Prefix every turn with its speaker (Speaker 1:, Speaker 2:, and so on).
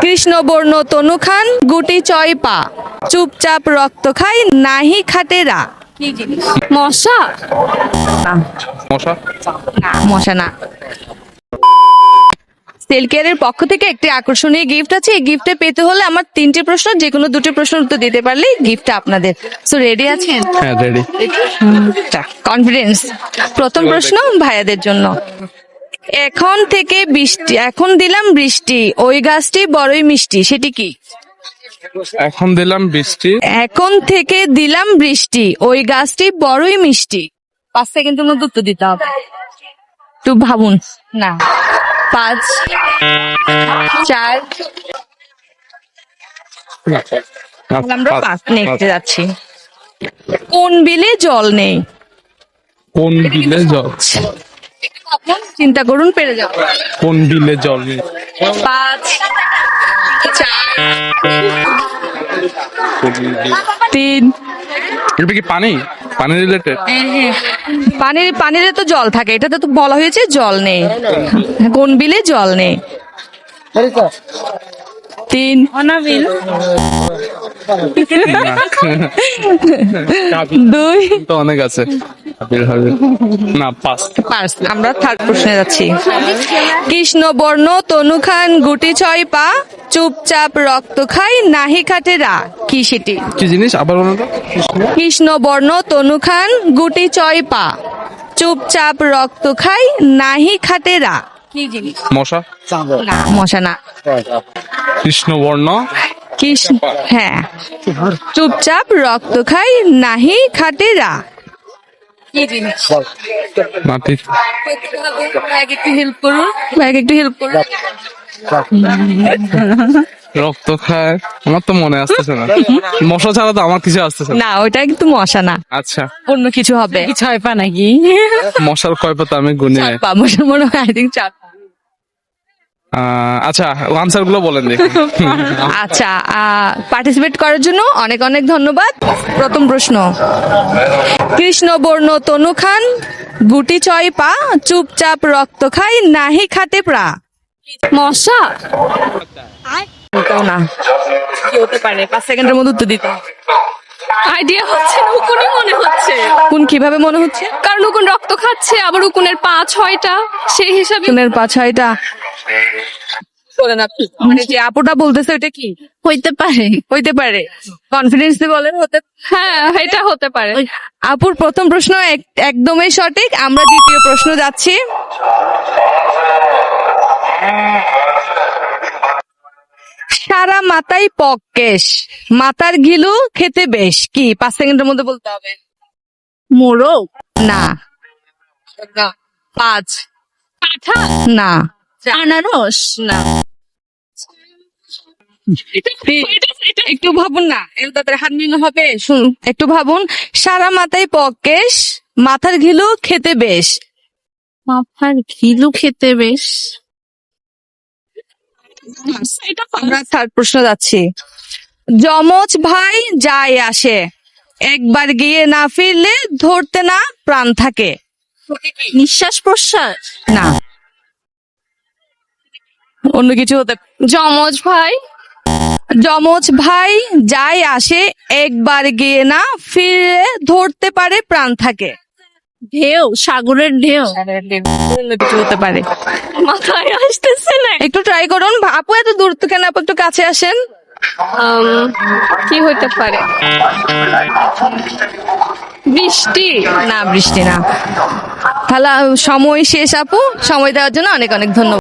Speaker 1: কৃষ্ণবর্ণ তনু খান গুটি চয় পা চুপচাপ রক্ত খাই নাহি খাটেরা। কি জিনিস? মশা? না,
Speaker 2: মশা?
Speaker 1: না মশা না। সেলকেয়ারের পক্ষ থেকে একটি আকর্ষণীয় গিফট আছে। এই গিফটে পেতে হলে আমার 3টি প্রশ্ন, যে কোনো 2টি প্রশ্ন উত্তর দিতে পারলে গিফটটা আপনাদের। সো রেডি আছেন?
Speaker 2: হ্যাঁ রেডি।
Speaker 1: কনফিডেন্স। প্রথম প্রশ্ন ভাইয়াদের জন্য। এখন দিলাম বৃষ্টি ওই গাছটি বড়ই মিষ্টি, সেটি কি?
Speaker 2: এখন দিলাম বৃষ্টি।
Speaker 1: এখন থেকে দিলাম বৃষ্টি ওই গাছটি বড়ই মিষ্টি। 5 সেকেন্ডের মধ্যে উত্তর দিতে হবে, একটু ভাবুন। না, 5 4 আমরা 5 নেক্সটে যাচ্ছি। কোন বিলে জল নেই?
Speaker 2: কোন বিলে জল?
Speaker 1: চিন্তা করুন, পেরে যাও।
Speaker 2: কোন বিলে জল নেই?
Speaker 1: 5 4 3
Speaker 2: এটা কি পানি? পানি রিলেটেড?
Speaker 1: পানিতে তো জল থাকে, এটাতে তো বলা হয়েছে জল নেই। কোন বিলে জল নেই? 3 অনাবিল 2
Speaker 2: তো অনেক আছে। না, পাস।
Speaker 1: আমরা থার্ড প্রশ্নে যাচ্ছি। কৃষ্ণবর্ণ তনু খান গুটি ছয় পা চুপচাপ রক্ত খাই নাহি খাটেরা, কি সেটি?
Speaker 2: কি জিনিস আবার বলুন তো?
Speaker 1: কৃষ্ণবর্ণ তনু খান গুটি ছয় পা চুপচাপ রক্ত খাই নাহি খাটেরা, কি জিনিস?
Speaker 2: মশা?
Speaker 1: না মশা না।
Speaker 2: কৃষ্ণবর্ণ
Speaker 1: কৃষ্ণ, হ্যাঁ, চুপচাপ রক্ত খাই নাহি খাটেরা, কি জিনিস?
Speaker 2: মাটির।
Speaker 1: একটু হেল্প করুন, একটু হেল্প করুন।
Speaker 2: রক্ত খায়, আমার তো মনে আসতেছে না। মশা ছাড়া তো আমার কিছু আসতেছে না।
Speaker 1: না, ওইটা কিন্তু মশা না,
Speaker 2: আচ্ছা,
Speaker 1: অন্য কিছু হবে। ছয় পা নাকি?
Speaker 2: মশার কয় পাতা আমি গুনি নাই।
Speaker 1: পা, মশার মনে হয় আই থিঙ্ক 4 পা।
Speaker 2: আচ্ছা, আনসার গুলো বলেন দেখি।
Speaker 1: আচ্ছা, পার্টিসিপেট করার জন্য অনেক অনেক ধন্যবাদ। প্রথম প্রশ্ন, কৃষ্ণবর্ণ তনু খান গুটি ছয় পা চুপচাপ রক্ত খাই নাহি খাটে প্রা। মশা? না, কি হতে পারে? 5 সেকেন্ডের মধ্যে উত্তর দিতে হবে।
Speaker 3: আইডিয়া হচ্ছে না, উকুনই মনে হচ্ছে।
Speaker 1: কোন কিভাবে মনে হচ্ছে?
Speaker 3: কারণ উকুন রক্ত খাচ্ছে, আবার উকুনের পা 6টা, সেই হিসাবে
Speaker 1: উকুনের পা 6টা। বলেন আপনি, মানে যে আপুটা বলতেছে ওটা কি
Speaker 3: হইতে পারে।
Speaker 1: হইতে পারে? কনফিডেন্স দিয়ে বলেন। হতে,
Speaker 3: হ্যাঁ, এটা হতে পারে।
Speaker 1: আপুর প্রথম প্রশ্ন একদমই সঠিক। আমরা দ্বিতীয় প্রশ্ন যাচ্ছি। সারা মাথায় পক কেশ মাথার ঘিলু খেতে বেশ, কি? 5 সেকেন্ডের মধ্যে বলতে হবে।
Speaker 3: মোরগ?
Speaker 1: না। 5
Speaker 3: কাঁঠাল?
Speaker 1: না।
Speaker 3: আনারস?
Speaker 1: না। একটু ভাবুন না, এর তাড়াতাড়ি হাত মিলানো হবে। একটু ভাবুন। সারা মাথায় পক কেশ মাথার ঘিলু খেতে বেশ।
Speaker 3: মাথার ঘিলু খেতে বেশ।
Speaker 1: আমরা থার্ড প্রশ্ন যাচ্ছি। যমজ ভাই যায় আসে একবার গিয়ে না ফিরলে ধরতে না প্রাণ থাকে।
Speaker 3: নিঃশ্বাস প্রশ্বাস?
Speaker 1: না, অন্য কিছু হতে।
Speaker 3: যমজ ভাই?
Speaker 1: যমজ ভাই যায় আসে একবার গিয়ে না ফিরে ধরতে পারে প্রাণ থাকে।
Speaker 3: ঢেউ? সাগরের ঢেউ?
Speaker 1: অন্য কিছু হতে পারে।
Speaker 3: মাথায় আসতেছে না।
Speaker 1: একটু ট্রাই করুন। আপু এত দূর তো কেন? আপু একটু কাছে আসেন।
Speaker 3: কি হইতে পারে? বৃষ্টি?
Speaker 1: না, বৃষ্টি না। তাহলে সময় শেষ আপু। সময় দেওয়ার জন্য অনেক অনেক ধন্যবাদ।